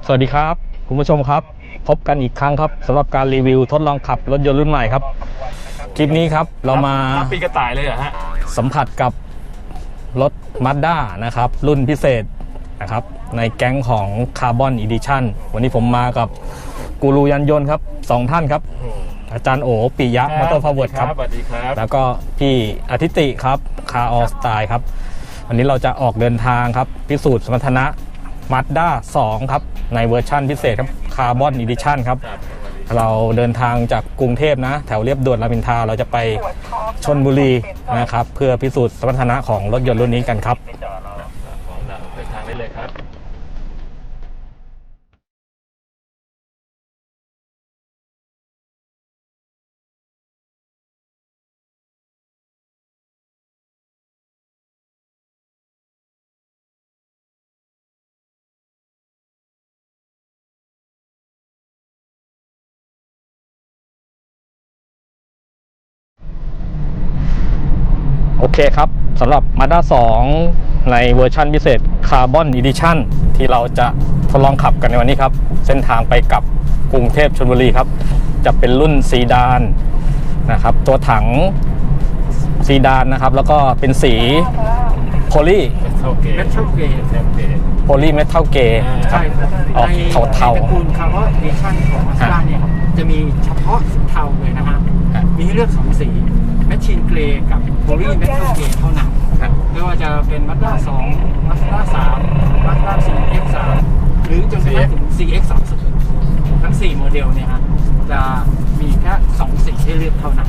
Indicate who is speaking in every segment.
Speaker 1: สวัสดีครับคุณผู้ชมครับพบกันอีกครั้งครับสำหรับการรีวิวทดลองขับรถยนต์รุ่นใหม่ครับคลิปนี้ครับเรามา
Speaker 2: ปีกระต่ายเลยเหรอฮะ
Speaker 1: สัมผัสกับรถ Mazda นะครับรุ่นพิเศษนะครับในแก๊งของ Carbon Edition วันนี้ผมมากับกูรูยานยนต์ครับ2ท่านครับอาจารย์โอปิยะมอเตอร์พาวเวิร์ดครับ
Speaker 2: สวัสดีครับ
Speaker 1: แล้วก็พี่อาทิติครับคาร์ออสไตล์ครับวันนี้เราจะออกเดินทางครับพิสูจน์สมรรถนะ Mazda 2 ครับในเวอร์ชั่นพิเศษครับ Carbon Edition ครับเราเดินทางจากกรุงเทพนะแถวเรียบด่วนรามอินทราเราจะไปชลบุรีนะครับเพื่อพิสูจน์สมรรถนะของรถยนต์รุ่นนี้กันครับ
Speaker 2: เดินทางได้เลยครับ
Speaker 1: โอเคครับสำหรับ Mazda 2 ในเวอร์ชันพิเศษ Carbon Edition ที่เราจะทดลองขับกันในวันนี้ครับเส้นทางไปกับกรุงเทพชลบุรีครับจะเป็นรุ่นซีดานนะครับตัวถังซีดานนะครับแล้วก็เป็นสีโพลี
Speaker 2: เมทัลเกย์
Speaker 1: โพลีเมทัลเกย์ครับออกเทา
Speaker 3: ในตระกูล Carbon Edition ของ Mazda เนี่ยจะมีเฉพาะสีเทาเลยนะฮะมีให้เลือก2สีแมชชีนเกรย์กับโพลีเมทัลเกรย์เท่านั้นไม่ว่าจะเป็น Mazda 2 Mazda 3 Mazda CX3 หรือจนกระทั่งถึง CX30 ทั้ง4โมเดลเนี่ยฮะจะมีแค่2สีให้เลือกเท่านั้น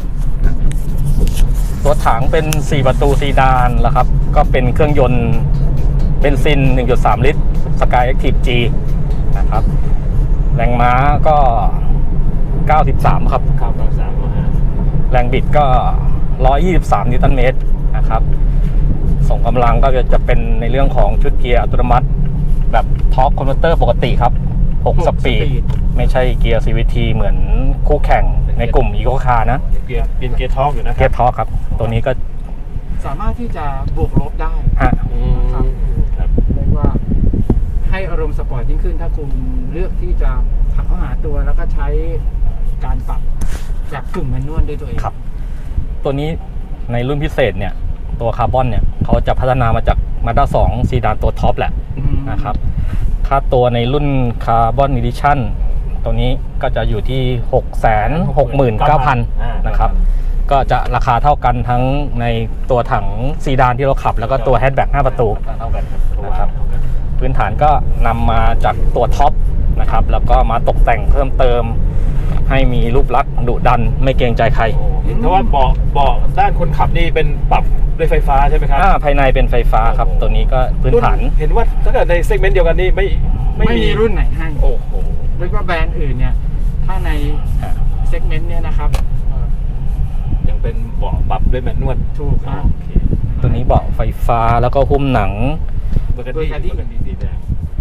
Speaker 1: ตัวถังเป็น4ประตูซีดานแล้วครับก็เป็นเครื่องยนต์เบนซิน 1.3 ลิตร Sky Active G นะครับแรงม้าก็93ครับแรงบิดก็123นิวตันเมตรนะครับส่งกำลังก็จะเป็นในเรื่องของชุดเกียร์อัตโนมัติแบบทอร์คคอนเวอร์เตอร์ปกติครับ6สปีดไม่ใช่เกียร์ CVT เหมือนคู่แข่งในกลุ่ม Eco Car นะ
Speaker 2: เกียร์ทอร์คอยู่นะ
Speaker 1: เกียร์ทอร์คครับตัวนี้ก็
Speaker 3: สามารถที่จะบวกลบได้
Speaker 1: ฮะ
Speaker 3: ครับเรียกว่าให้อารมณ์สปอร์ตยิ่งขึ้นถ้าคุณเลือกที่จะขับเข้าหาตัวแล้วก็ใช้การปรับจากกึ่งแมนนวลด้วยตัวเอง
Speaker 1: ครับตัวนี้ในรุ่นพิเศษเนี่ยตัวคาร์บอนเนี่ยเขาจะพัฒนามาจาก Mazda 2 ซีดานตัวท็อปแหละนะครับค่าตัวในรุ่น Carbon Edition ตัวนี้ก็จะอยู่ที่ 669,000 นะครับก็จะราคาเท่ากันทั้งในตัวถังซีดานที่เราขับแล้วก็ตัวแฮชแบ็ก5ประตูนะครับพื้นฐานก็นำมาจากตัวท็อปนะครับแล้วก็มาตกแต่งเพิ่มเติมให้มีรูปลักษณ์ดุดันไม่เกรงใจใคร
Speaker 2: เพราะว่าเบาะด้านคนขับนี่เป็นปรับด้วยไฟฟ้าใช่ไหมครับ
Speaker 1: ภายในเป็นไฟฟ้าครับตัวนี้ก็พื้นฐาน
Speaker 2: เห็นว่าถ้าเกิดในเซกเมนต์เดียวกันนี่ไม่
Speaker 3: มีรุ่นไหนให้
Speaker 2: โอ้โห
Speaker 3: เรียกว่าแบรนด์อื่นเนี่ยถ้าในเซกเมนต์เนี่ยนะครับ
Speaker 2: ยังเป็นเบาะปรับด้วยแมนนวล
Speaker 3: ถูกครับ
Speaker 1: ตัวนี้เบาะไฟฟ้าแล้วก็หุ้มหนัง
Speaker 2: เบอร์กันดี้สีแดง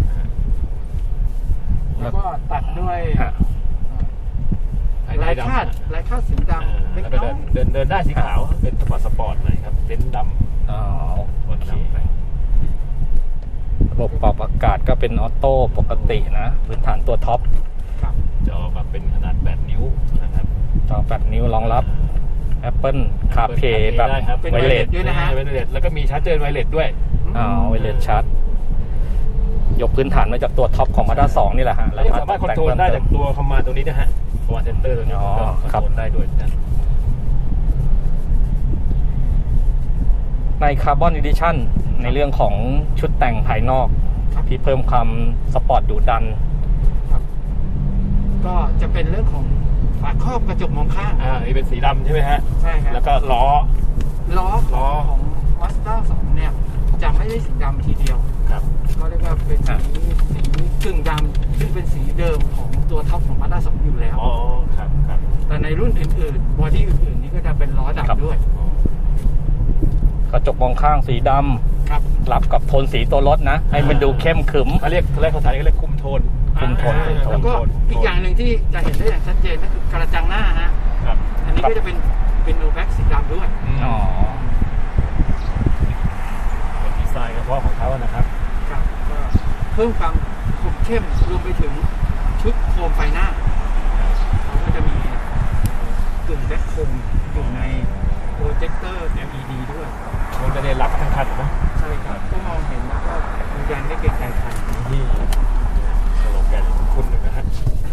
Speaker 3: แล้วก็ตัดด้วยลายคาดสีดำ
Speaker 2: แล้วก็เดินได้สีขาวเป็นสปอร์ตหน่อยครับเต็นท์ดำ
Speaker 1: โอเคระบบปรับอากาศก็เป็นออโต้ปกตินะพื้นฐานตัวท็อป
Speaker 2: จอมาเป็นขนาด8 นิ้วนะครับ
Speaker 1: จอ8 นิ้วรองรับ Apple CarPlay แบบไวเลส
Speaker 3: ด้วยนะฮะ
Speaker 2: ไวเลสแล้วก็มีชาร์จเจอร์ไวเลสด้วย
Speaker 1: ไวเลสชาร์จยกพื้นฐานมาจากตัวท็อปของ Mazda 2 นี่แหละฮะ
Speaker 2: แล้วสามารถคอนโทรลได้จากตัวคอมมานด์ตัวนี้นะฮะคอมมานด์เซ็นเตอร์ตัวนี้คอนโทรลได้ด้วยนะ
Speaker 1: ใน Carbon Edition ในเรื่องของชุดแต่งภายนอกที่เพิ่มความสปอร์ตดุดัน
Speaker 3: ก็จะเป็นเรื่องของฝาครอบกระจกมองข้าง
Speaker 2: นี่เป็นสีดำใช่ไหมฮะ
Speaker 3: ใช่ครับ
Speaker 2: แล้วก็ล้อ
Speaker 3: ของ Mazda 2 เนี่ยจะไม่ได้สีดำทีเดียว
Speaker 2: ครับ
Speaker 3: ก็เรียกว่าเป็นสีกึ่งดำซึ่งเป็นสีเดิมของตัวท็อปของ Mazda 2 อยู่แล้ว
Speaker 2: ครับ
Speaker 3: แต่ในรุ่นอื่นๆบอดี้อื่นๆนี่ก็จะเป็นล้อดำด้วย
Speaker 1: กระจกมองข้างสีดำรับกับโทนสีตัวรถนะให้มันดูเข้มขึม
Speaker 2: เขาเรียกภาษาเขาเรียกคุมโทน
Speaker 3: แล้วก็อีกอย่างหนึ่งที่จะเห็นได้อย่างชัดเจนก็คือกระจังหน้าฮะอันนี้ก็จะเป็นโนแบ็กสีดำด้วย
Speaker 2: เป็นดีไซน์เฉพาะของเขานะครับ
Speaker 3: ก็เพิ่มความคมเข้มรวมไปถึงชุดโคมไฟหน้าเขาก็จะมีกึ่งแบ็คโคมอยู่ในโปรเจคเตอร์ LED ด้วย
Speaker 2: มันจะได้รับทั้งคันนะ
Speaker 3: ใช่ครับก็มองเห็นแล้วก็ยืนยันได้เก่งใจใคร
Speaker 2: ที่สโลแกนคุณหนึ่งนะฮะ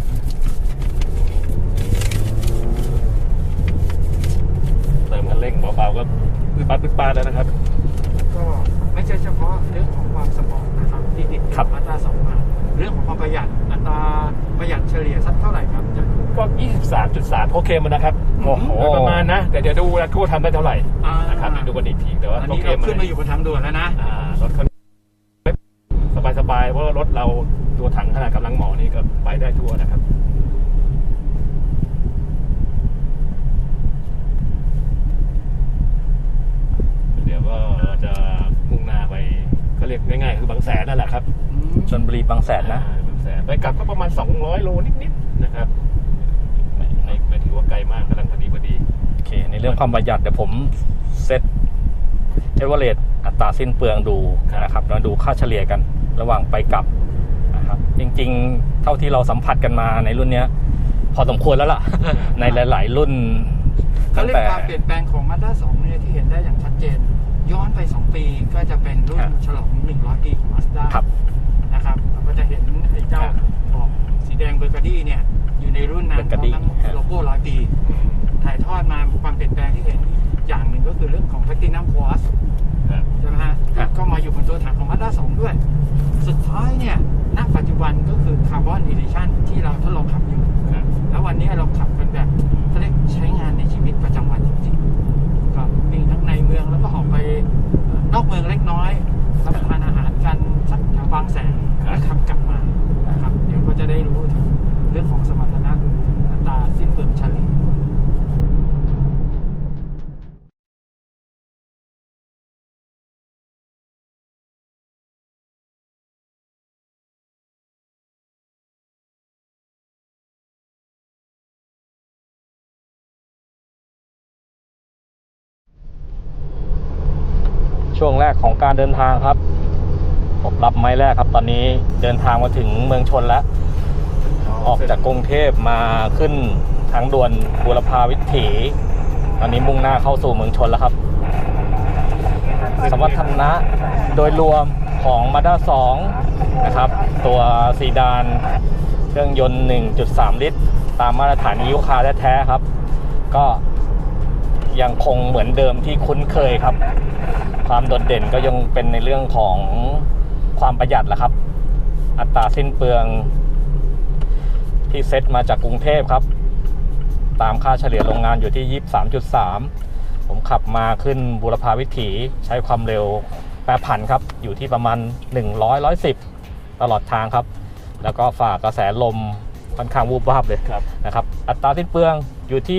Speaker 2: เติมคันเร่งเบาๆก็ปื๊ดปัดแล้วนะครับ
Speaker 3: ก็ไม่ใช่เฉพาะเรื่องของความสปอร์ตนะครับที่ติด
Speaker 1: ครับ
Speaker 3: มาตรา2มาเรื่องของความประหยัดอัตราประหยัดเฉลี่ยสักเท่าไหร่ครับจะ
Speaker 2: ก็ 23.3 โอเคมันนะครับ
Speaker 1: โอ้โห
Speaker 2: ประมาณนะ แต่เดี๋ยวดูนะทั่วทำได้เท่าไหร่นะครับเดี๋ยวดูกันอีกทีแต่ว่า
Speaker 3: อัน
Speaker 2: โอ
Speaker 3: นี้
Speaker 2: เค
Speaker 3: เรา
Speaker 2: มัน
Speaker 3: ขึ้นมาอยู่บนทางด่วนแล้วนะ
Speaker 2: รถคันสบายๆเพราะว่ารถเราตัวถังขนาดกำลังหมอนี่ก็ไปได้ทั่วนะครับเดี๋ยวก็จะมุ่งหน้าไปก็เรียกง่ายๆคือบางแสนนั่นแหละครับ
Speaker 1: ชลบุรีบางแสนนะ
Speaker 2: บางแสนไปกลับก็ประมาณ200 โลนิดๆนะครับไม่ถือว่าไกลมากกำลังพอดี
Speaker 1: โอเค ในเรื่องความประหยัดเดี๋ยวผมเซตเอเวอเรสต์อัตราสิ้นเปลืองดูนะครับแล้วดูค่าเฉลี่ยกันระหว่างไปกลับนะครับจริงๆ เท่าที่เราสัมผัสกันมาในรุ่นเนี้ยพอสมควรแล้วล่ะ ในหลาย ๆ รุ่น
Speaker 3: เขาเรียก
Speaker 1: แต่
Speaker 3: การเปลี่ยนแปลงของ Mazda 2เนี่ยที่เห็นได้อย่างชัดเจน ย้อนไป 2 ปีก็จะเป็นรุ่นฉลอง 100 ปีของ Mazda
Speaker 1: ครับ
Speaker 3: นะครับเราก็จะเห็นไอ้เจ้าบอกสีแดงเบอร์กาดี้เนี่ยอยู่ในรุ่นนั้นพร้อม
Speaker 1: Burgundy
Speaker 3: ทั้งโลโก้100 ปี ถ่ายทอดมาความเปลี่ยนแปลงที่เห็นอย่างหนึ่งก็คือเรื่องของ Platinum Quartz
Speaker 2: ครับ
Speaker 3: ใช่ไหมฮะ
Speaker 1: ครับ
Speaker 3: ก็มาอยู่บนตัวถังของ Mazda 2 ด้วย สุดท้ายเนี่ยณปัจจุบันก็คือ Carbon Edition ที่เราทดลองขับอยู่
Speaker 2: ครับ
Speaker 3: แล้ววันนี้เราขับกันแบบเขาเรียกใช้งานในชีวิตประจำวันจริงๆก็มีทั้งในเมืองแล้วก็ออกไปนอกเมืองเล็กน้อยรับประทานอาหารกันสักแถวบางแสนแล้วขับกลับมานะครับเดี๋ยวก็จะได้รู้ถึงเรื่องของสมรรถนะอัตราสิ้นเปลืองเฉลี่ย
Speaker 1: ช่วงแรกของการเดินทางครับผมรับไม้แรกครับ ตอนนี้เดินทางมาถึงเมืองชนแล้ว ออกจากกรุงเทพมาขึ้นทางด่วนบูรพาวิถีตอนนี้มุ่งหน้าเข้าสู่เมืองชนแล้วครับ สมรรถนะโดยรวมของ Mazda 2 นะครับ ตัวซีดานเครื่องยนต์ 1.3 ลิตร ตามมาตรฐานEU คาร์แท้ๆครับ ก็ยังคงเหมือนเดิมที่คุ้นเคยครับ ความโดดเด่นก็ยังเป็นในเรื่องของความประหยัดแหละครับ อัตราสิ้นเปลืองที่เซตมาจากกรุงเทพครับ ตามค่าเฉลี่ยโรงงานอยู่ที่ 23.3 ผมขับมาขึ้นบูรพาวิถีใช้ความเร็วแปรผันครับ อยู่ที่ประมาณ 100-110 ตลอดทางครับ แล้วก็ฝ่ากระแสลมค่อนข้างวูบวาบเลย
Speaker 2: ครับ
Speaker 1: นะครับ อัตราสิ้นเปลืองอยู่ที่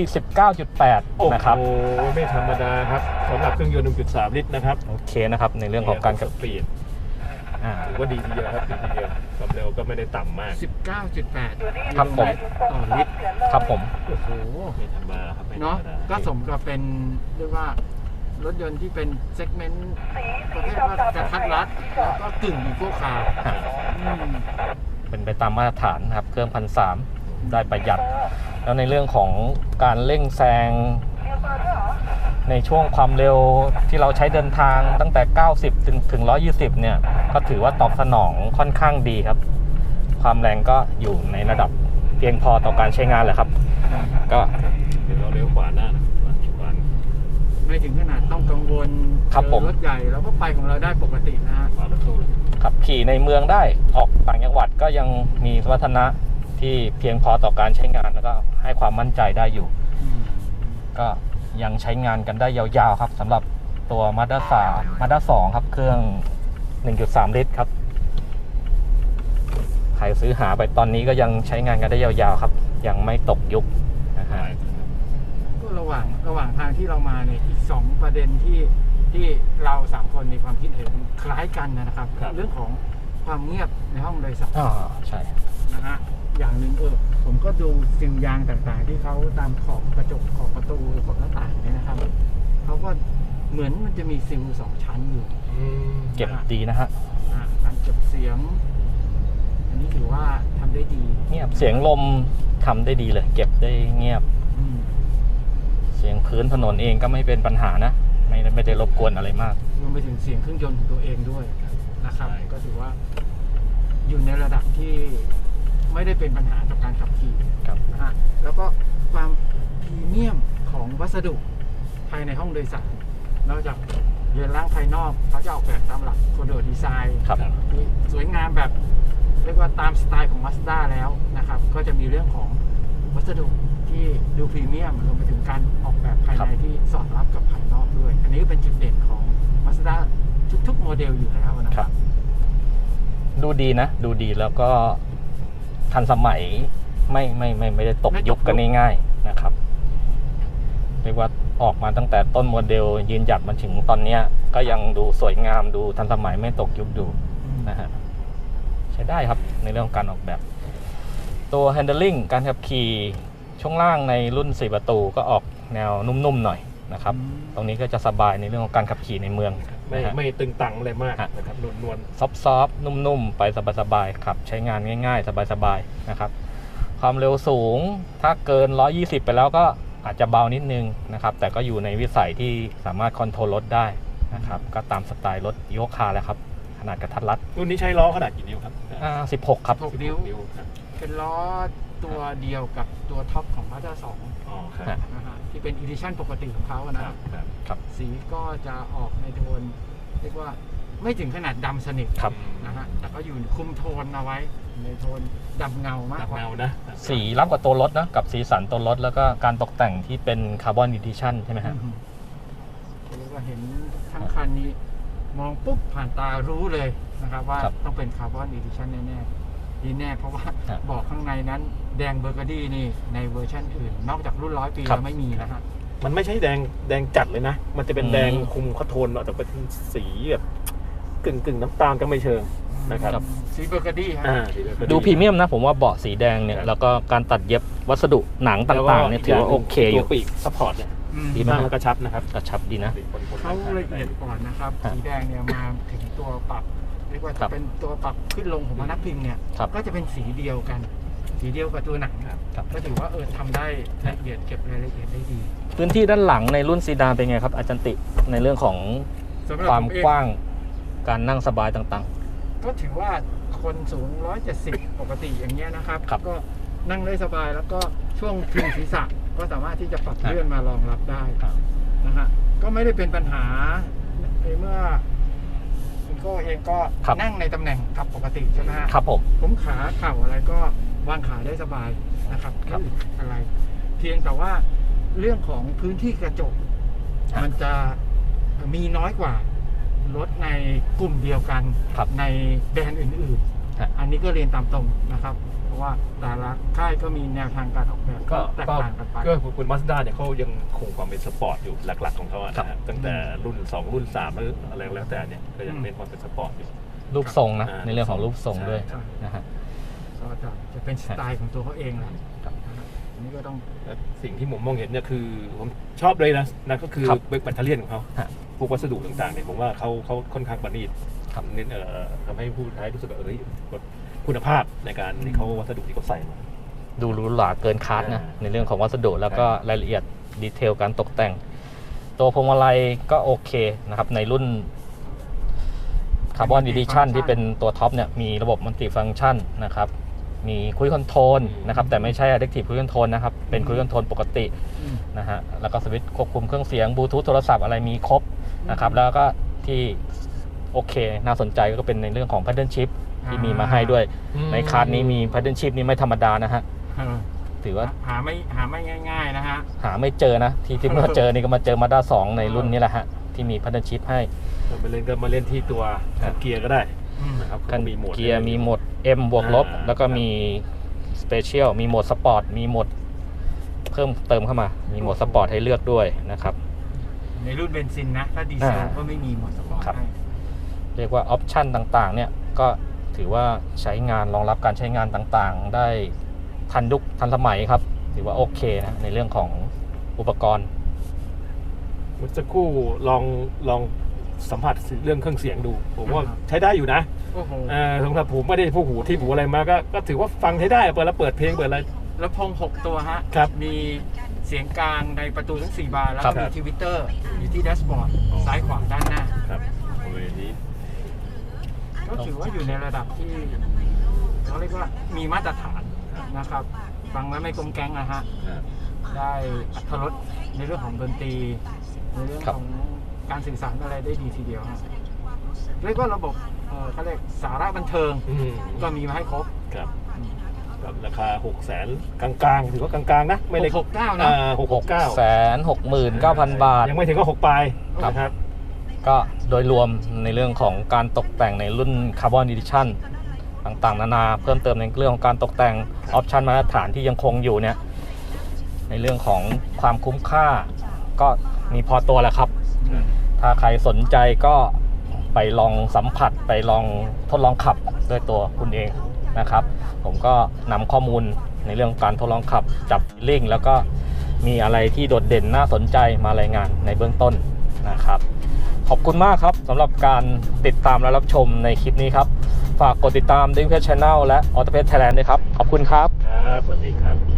Speaker 1: 19.8 นะครับ
Speaker 2: โอ้โหไม่ธรรมดาครับสำหรับเครื่องยนต์ 1.3 ลิตรนะครับ
Speaker 1: โอเคนะครับ ในเรื่องของการ
Speaker 2: สปีดถือว่าดีทีเดียวครับดีทีเดียวความเร็วก็ไม่ได้ต่ำมาก
Speaker 3: 19.8
Speaker 1: ครับผม
Speaker 3: ต่อลิตร
Speaker 1: ครับผม
Speaker 3: โอ้โห
Speaker 2: ไม่ธรรมดาครับไม่ธร
Speaker 3: เนาะ
Speaker 2: รมดา
Speaker 3: ก็สมกับเป็นเรียกว่ารถยนต์ที่เป็นเซกเมนต์ประเภทว่ากระทัดรัดแล้วก็กึ่งอีโก้คาร์อืม
Speaker 1: เป็นไปตามมาตรฐานนะครับ เครื่อง 1,300 ได้ประหยัด แล้วในเรื่องของการเร่งแซงในช่วงความเร็วที่เราใช้เดินทางตั้งแต่ 90 ถึง 120 เนี่ย ก็ถือว่าตอบสนองค่อนข้างดีครับ ความแรงก็อยู่ในระดับเพียงพอต่อการใช้งานแหละครับ ก็
Speaker 2: เดี๋ยวเราเลี้ยวขวาหน้านะขวา
Speaker 3: ไม่ถึงขนาดต้องกังวล
Speaker 1: ครับ
Speaker 3: เจ
Speaker 1: ผ
Speaker 3: อ
Speaker 1: ม
Speaker 3: รถใหญ่เราก็ไปของเราได้ปกตินะฮะ
Speaker 2: ขวารถตู้เลย
Speaker 1: ขับขี่ในเมืองได้ ออกต่างจังหวัดก็ยังมีสมรรถนะที่เพียงพอต่อการใช้งานแล้วก็ให้ความมั่นใจได้อยู่ ก็ยังใช้งานกันได้ยาวๆครับสำหรับตัว Mazda 2 ครับ เครื่อง 1.3 ลิตรครับ ใครซื้อหาไปตอนนี้ก็ยังใช้งานกันได้ยาวๆครับ ยังไม่ตกยุคนะฮะ
Speaker 3: ก็ระหว่างทางที่เรามาเนี่ยอีก2ประเด็นที่เรา3คนมีความคิดเห็นคล้ายกันนะครับ เรื่องของความเงียบในห้องโดยสาร
Speaker 1: อ๋อใช่
Speaker 3: นะฮะอย่างหนึ่งผมก็ดูซิลยางต่างๆ ที่เขาตามขอบกระจกขอบประตูขอบหน้าต่างเนี่ยนะครับเขาก็เหมือนมันจะมีซิล2 ชั้นอยู่
Speaker 1: เก็บดีนะฮะ
Speaker 3: การเก็บเสียงนี่ถือว่าทำได้ดี
Speaker 1: เงียบเสียงลมทำได้ดีเลย เก็บได้เงียบ
Speaker 3: อืม
Speaker 1: เสียงพื้นถนนเองก็ไม่เป็นปัญหานะ ไม่ได้รบกวนอะไรมาก
Speaker 3: รวมไปถึงเสียงเครื่องยนต์ของตัวเองด้วยนะครับ
Speaker 2: ใช่
Speaker 3: ก็ถือว่าอยู่ในระดับที่ไม่ได้เป็นปัญหากับการขับขี่
Speaker 1: ครับ
Speaker 3: นะฮะแล้วก็ความพรีเมียมของวัสดุภายในห้องโดยสารนอกจากเรือนร่างภายนอกเขาจะออกแบบตามหลักโคโดดีไซน์
Speaker 1: ครับ
Speaker 3: ที่สวยงามแบบเรียกว่าตามสไตล์ของ Mazda แล้วนะครับ ก็จะมีเรื่องของวัสดุที่ดูพรีเมียมรวมไปถึงการออกแบบภายในที่สอดรับกับภายนอกด้วย อันนี้ก็เป็นจุดเด่นของ Mazda ทุกๆโมเดลอยู่แล้วนะ
Speaker 1: ค
Speaker 3: ค
Speaker 1: รั
Speaker 3: รับ บ
Speaker 1: ดูดีนะ ดูดีแล้วก็ทันสมัยไม่ได้ตก
Speaker 3: ไม่ตก
Speaker 1: ยุคกันง่ายๆนะครับ เรียกว่าออกมาตั้งแต่ต้นโมเดลยืนหยัดมาถึงตอนเนี้ยก็ยังดูสวยงามดูทันสมัยไม่ตกยุคดูนะฮะใช้ได้ครับในเรื่องของการออกแบบ ตัว handling การขับขี่ช่วงล่างในรุ่น 4 ประตูก็ออกแนวนุ่มๆหน่อยนะครับ ตรงนี้ก็จะสบายในเรื่องของการขับขี่ในเมือง
Speaker 2: ไม่
Speaker 1: นะฮะ
Speaker 2: ไม่ตึงตังอะไรมาก
Speaker 1: ฮะ
Speaker 2: นะครับนวล
Speaker 1: ซอฟต์ๆนุ่มๆ ไปสบายๆขับใช้งานง่ายๆ สบายๆนะครับ ความเร็วสูงถ้าเกิน 120 ไปแล้วก็อาจจะเบานิดนึงนะครับ แต่ก็อยู่ในวิสัยที่สามารถคอนโทรลรถได้นะครับ ก็ตามสไตล์รถอีโคคาร์แหละครับ ขนาดกระทัดรัด
Speaker 2: รุ่นนี้ใช้ล้อขนาดกี่นิ้วครับ
Speaker 1: 16 ครับ
Speaker 3: 16 นิ้ว
Speaker 2: ครับ
Speaker 3: เป็นล้อตัวเดียวกับตัวท็อปของ Mazda 2
Speaker 2: อ๋อครับ
Speaker 1: ฮะ
Speaker 3: นะฮะที่เป็นอีดิชั่นปกติของเขาอะ
Speaker 2: ค
Speaker 3: นะ
Speaker 2: รับ
Speaker 3: ครับ
Speaker 2: ครับ
Speaker 3: สีก็จะออกในโทนเรียกว่าไม่ถึงขนาดดำสนิท
Speaker 1: ครับ
Speaker 3: นะฮะแต่ก็อยู่คุมโทนเอาไว้ในโทนดำเงามาก
Speaker 2: ดับ
Speaker 3: กว่า
Speaker 2: เงานะ
Speaker 1: สีล้ำกว่าตัวรถนะกับสีสันตัวรถแล้วก็การตกแต่งที่เป็นคาร์บอนดิทิชันใช่ไหมฮะ
Speaker 3: เรียกว่าเห็นทั้งคันนี้มองปุ๊บผ่านตารู้เลยนะครับว่า
Speaker 1: ครับ
Speaker 3: ต้องเป็นคาร์บอนอีดิชั่นแน่ๆดีแน่เพราะว่า
Speaker 1: ครับ
Speaker 3: บอกข้างในนั้นแดงเบอร์กาดี้นี่ในเวอร์ชันอื่น นอกจากรุ่น100 ปี
Speaker 1: ครับ
Speaker 3: แล้วไม่มีนะฮะ
Speaker 2: มันไม่ใช่แดงจัดเลยนะ มันจะเป็น
Speaker 1: อืม
Speaker 2: แดงคุมคอนโทนแต่เป็นสีแบบกึ่งน้ำตาลก็ไม่เชิงนะครับ
Speaker 3: สีเบอร์กาดี้ฮะ
Speaker 2: สีแบบ
Speaker 1: ดูพรีเมียมนะผมว่าเบาะสีแดงเนี่ยแล้วก็การตัดเย็บวัสดุหนังต่างๆเนี่ยถือว่าโอเคอ
Speaker 2: ตั
Speaker 1: ยู่
Speaker 2: วปีกซัพพอร์ตเนี่ย
Speaker 3: อืม
Speaker 1: ดีไหม
Speaker 2: ตั้งแล้วกระชับนะครับ
Speaker 1: กระชับดีนะ
Speaker 3: เขาละเอียดก่อนนะครับ
Speaker 1: ครับ
Speaker 3: สีแดงเนี่ยมาถึงตัวปรับ เรียกว่า
Speaker 1: ครั
Speaker 3: จะ
Speaker 1: บ
Speaker 3: เป็นตัวปรับขึ้นลงของพนักพิงเนี่ย
Speaker 1: ครับ
Speaker 3: ก็จะเป็นสีเดียวกัน สีเดียวกับตัวหนัง
Speaker 1: ครับ
Speaker 3: ก็ถือว่าทำได้ละเอียดเก็บรายละเอียดได้ดี
Speaker 1: พื้นที่ด้านหลังในรุ่นซีดานเป็นไงครับอาจารย์ติในเรื่องของ
Speaker 3: สำหรับ
Speaker 1: ความ
Speaker 3: ผมเอง
Speaker 1: กว้างการนั่งสบายต่าง
Speaker 3: ก็ถือว่าคนสูง 170 ปกติอย่างเงี้ยนะครับ
Speaker 1: ครับ
Speaker 3: ก็นั่งได้สบายแล้วก็ช่วงพิงศีรษะก็สามารถที่จะปรับ
Speaker 1: ครับ
Speaker 3: เลื่อนมารองรับได้
Speaker 1: ครับ
Speaker 3: นะฮะก็ไม่ได้เป็นปัญหาในเมื่อคุณโก้เองก็
Speaker 1: ครับ
Speaker 3: นั่งในตำแหน่งขับปกติใช่ไหมฮะ
Speaker 1: ๆ ครับผม
Speaker 3: ผมขาเข่าอะไรก็วางขาได้สบายนะครับ
Speaker 1: ครับ
Speaker 3: ไม่อึดอะไร เพียงแต่ว่าเรื่องของพื้นที่กระจก
Speaker 1: ครับ
Speaker 3: มันจะมีน้อยกว่ารถในกลุ่มเดียวกัน
Speaker 1: ครับ
Speaker 3: ในแบรนด์อื่น
Speaker 1: ครับ
Speaker 3: ๆ อันนี้ก็เรียนตามตรงนะครับ เพราะว่าแต่ละค่ายก็มีแนวทางการออกแบบ
Speaker 2: ก็
Speaker 3: แตกต่างกันไป
Speaker 2: ก็คุณมาสด้าเนี่ยเขายังคงความเป็นสปอร์ตอยู่หลักๆของเขาอะ
Speaker 1: ครับ
Speaker 2: นะฮะตั้งแต่รุ่น 2 รุ่น 3 หรืออะไรแล้วแต่เนี่ยก็ยังเน้นความเป็นสปอร์ตอยู่
Speaker 1: รูปทรงนะ
Speaker 2: อ่า
Speaker 1: ในเรื่องของรูปทรงด้วย
Speaker 2: ใช่
Speaker 1: นะฮะ
Speaker 3: ก็จะเป็นสไตล์ของตัวเขาเองแหละ
Speaker 1: ครับ
Speaker 3: นะฮะอันนี้ก็ต้อง
Speaker 2: และสิ่งที่ผมมองเห็นเนี่ยคือผมชอบเลยนะนั่นก็คือ
Speaker 1: ครับ
Speaker 2: แบตเตอรี่ของเขา
Speaker 1: ฮะ
Speaker 2: พวกวัสดุต่างๆเนี่ยผมว่าเขาค่อนข้างประณีต
Speaker 1: ครับ
Speaker 2: เน้นทำให้ผู้ใช้รู้สึกว่าคุณภาพในการที่เขาวัสดุที่เขาใส่มา
Speaker 1: ดูหรูหราเกินคาดนะ ในเรื่องของวัสดุแล้วก็รายละเอียดดีเทลการตกแต่ง ตัวพวงมาลัยก็โอเคนะครับ ในรุ่นคาร์บอนดิทิชันที่เป็นตัวท็อปเนี่ยมีระบบมัลติฟัง c t ชันนะครับ มีคุยคอนโทรลนะครับ แต่ไม่ใช่ Adaptive Cruise Control นะครับ เป็นคุยคอนโทรลปกติ
Speaker 3: อืม
Speaker 1: นะฮะแล้วก็สวิตช์ควบคุมเครื่องเสียงบลูทูธโทรศัพท์อะไรมีครบนะครับ แล้วก็ที่โอเคน่าสนใจก็เป็นในเรื่องของ Paddle Shift ที่มีมาให้ด้วย ในคาร์ดนี้มี Paddle Shift นี่ไม่ธรรมดานะฮะ
Speaker 3: เออ
Speaker 1: ถือว่า
Speaker 3: หาไม่ง่าย ๆ นะฮะ
Speaker 1: หาไม่เจอนะ ที่มาเจอนี่ก็มาเจอ Mazda 2 ในรุ่นนี้แหละฮะ ที่มี Paddle Shift ให้
Speaker 2: มาเล่นก็มาเล่นที่ตัวคันเกียร์ก็ได้
Speaker 3: อืม
Speaker 2: นะครับ
Speaker 1: กัน
Speaker 2: มีโหมด
Speaker 1: เกียร์มีโหมด M บวกลบ แล้วก็มี Special มีโหมดสปอร์ตมีโหมดเพิ่มเติมเข้ามา มีโหมดสปอร์ตให้เลือกด้วยนะครับ
Speaker 3: ในรุ่นเบนซินนะ ถ้าดีเซลก็ไม่มีโหมดสปอร์ต
Speaker 1: ครับ
Speaker 3: ให้
Speaker 1: เรียกว่าออปชันต่างๆเนี่ยก็ถือว่าใช้งานรองรับการใช้งานต่างๆ ได้ทันยุคทันสมัยครับ ถือว่าโอเคนะในเรื่องของอุปกรณ์
Speaker 2: เมื่อสักครู่ลองสัมผัสเรื่องเครื่องเสียงดู ผมว่าใช้ได้อยู่นะ
Speaker 3: โอ้โห
Speaker 2: สำหรับผมไม่ได้ผู้หูที่หูอะไรมาก็ถือว่าฟังใช้ได้เปิดแล้วเปิดเพลงเปิดอะไร
Speaker 3: ลำโพง6 ตัวฮะ
Speaker 2: ครับ
Speaker 3: มีเสียงกลางในประตูทั้ง 4 บานแล้ว
Speaker 1: ครั
Speaker 3: ก็
Speaker 1: บ
Speaker 3: มีทวิตเตอร์อยู่ที่แดชบอร์ด
Speaker 2: อ๋อ
Speaker 3: ซ้ายขวาด้านหน้า
Speaker 2: ครับโอ้ยนี้
Speaker 3: ก็ถือว่าอยู่ในระดับที่เขาเรียกว่ามีมาตรฐานนะครับ ฟังแล้วไม่กลมแกล้งนะฮะ ได้อรรถรสในเรื่องของดนตรี ในเรื่อง
Speaker 1: ครับ
Speaker 3: ของการสื่อสารอะไรได้ดีทีเดียวฮะเรียกว่าระบบเขาเรียกสาระบันเทิงก็มีมาให้ครบ
Speaker 2: ครับกับราคา600,000กลางๆถือว่ากลางๆนะไม่ได้
Speaker 3: 669นะ
Speaker 1: 669,000 บาท
Speaker 2: ยังไม่ถึงก็6ปลาย
Speaker 1: ครับ
Speaker 2: นะครับ
Speaker 1: ก็โดยรวมในเรื่องของการตกแต่งในรุ่น Carbon Edition ต่างๆ นานาเพิ่มเติมในเรื่องของการตกแต่งออปชันมาตรฐานที่ยังคงอยู่เนี่ยในเรื่องของความคุ้มค่าก็มีพอตัวแหละครับ ถ้าใครสนใจก็ไปลองสัมผัสไปลองทดลองขับด้วยตัวคุณเองนะครับ ผมก็นำข้อมูลในเรื่องการทดลองขับจับลิ่งแล้วก็มีอะไรที่โดดเด่นน่าสนใจมารายงานในเบื้องต้นนะครับ ขอบคุณมากครับสำหรับการติดตามและรับชมในคลิปนี้ครับ ฝากกดติดตาม Daily Pet Channel และ Auto Pet Thailand ด้วยครับ ขอบคุณครับ
Speaker 2: ครับสวัสดีครับ